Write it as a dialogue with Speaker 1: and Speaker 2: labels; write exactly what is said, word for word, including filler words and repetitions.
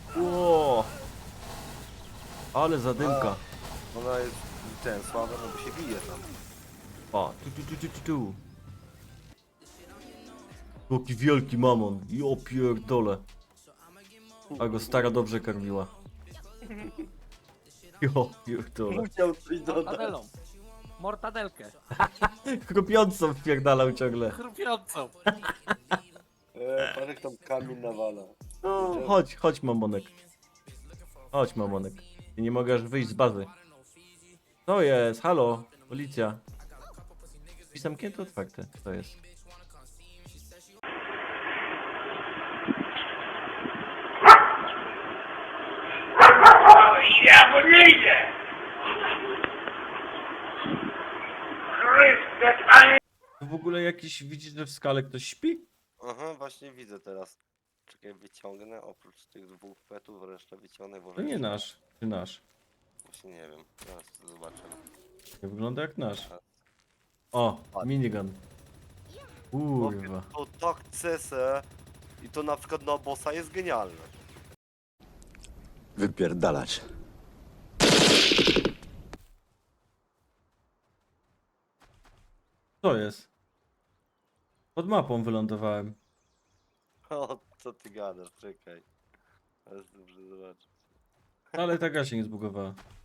Speaker 1: Ło! Ale zadymka.
Speaker 2: Ona jest ten, słaba, no bo się bije tam.
Speaker 1: O, tu, tu, tu, tu, tu, tu. Jaki wielki mamon. Jo pierdole. A go stara dobrze karmiła. Jo pierdole.
Speaker 2: Musiał coś dodać.
Speaker 3: Mortadelą. Mortadelkę.
Speaker 1: Chrupiącą wpierdalał ciągle.
Speaker 3: Chrupiącą.
Speaker 2: E, Parek tam kamień nawala.
Speaker 1: No, chodź, chodź mamonek. Chodź mamonek. Ja nie mogę aż wyjść z bazy. To jest, halo, policja. Drzwi zamknięte, otwarte. To jest.
Speaker 4: Ja mu nie idę! Chryste, Panie!
Speaker 1: W ogóle jakiś, widzisz, że w skale ktoś śpi?
Speaker 2: Aha, właśnie widzę teraz. Czekaj, wyciągnę, oprócz tych dwóch petów, resztę wyciągnę, bo...
Speaker 1: To nie nasz, czy nasz.
Speaker 2: Właśnie nie wiem, teraz zobaczymy.
Speaker 1: Nie wygląda jak nasz. O, minigun. Kurwa.
Speaker 2: To tak cese i to na przykład na bossa jest genialne.
Speaker 5: Wypierdalać.
Speaker 1: Co jest? Pod mapą wylądowałem.
Speaker 2: O, co ty gadasz, czekaj. Teraz dobrze zobaczyć.
Speaker 1: Ale ta gra się nie zbugowała.